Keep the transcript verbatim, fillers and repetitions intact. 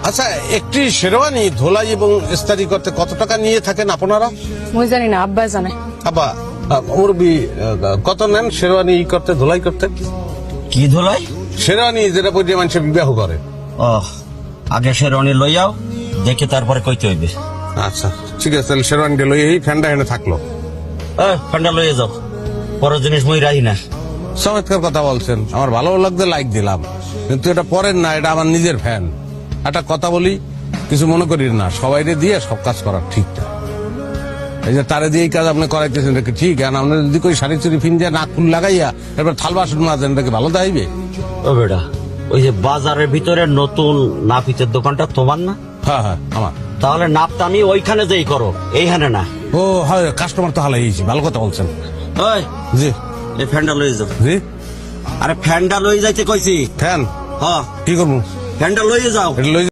আচ্ছা, একটি শেরওয়ানি ধোলাই এবং ইস্তারি করতে কত টাকা নিয়ে থাকেন আপনারা? মুই জানি না, আব্বা জানে। আব্বা, মুরবি কত নেন শেরওয়ানি ই করতে, ধোলাই করতে? কি ধুলাই? শেরওয়ানি যেটা পরে মানুষে বিবাহ করে। ও, আগে শেরওয়ানি লইয়াও, দেখে তারপরে কইতে হইবে। আচ্ছা ঠিক আছে, তাহলে শেরওয়ানিটা লই এই ফ্যানটা এনে থাকলো। এ, ফ্যানটা লইয়ে যাও, পরের জিনিস মই রাহি না। চমৎকার কথা বলছেন, আমার ভালো লাগতে লাইক দিলাম, কিন্তু এটা পরের না, এটা আমার নিজের ফ্যান। একটা কথা বলি, কিছু মনে করি না, সবাইরে দিয়ে সব কাজ করা ঠিক না। এই যে তারে দিয়ে এই কাজ আপনি করাইতেছেন, এটা কি ঠিক? আর আপনি যদি কই শাড়ি চুরি ফিন দিয়ে নাক ফুল লাগাইয়া এরপর থাল বাসন মাজেন, এটা কি ভালো দাইবে? ও বেটা, ওই যে বাজারের ভিতরে নতুন নাপিতের দোকানটা তোমার না? হ্যাঁ হ্যাঁ আমার। তাহলে নাপটা আমি ওইখানে যেই করো, এইখানে না। ও হয়, কাস্টমার তো হালাইছি, ভালো কথা বলছেন। ওই, জি এই ফ্যানটা লইয়ে যাও। জি, আরে ফ্যানটা লইয়ে যাইতে কইছি। ফ্যান হ্যাঁ, কি করবো? ফ্যানটা লইয়ে যাও। এটা লই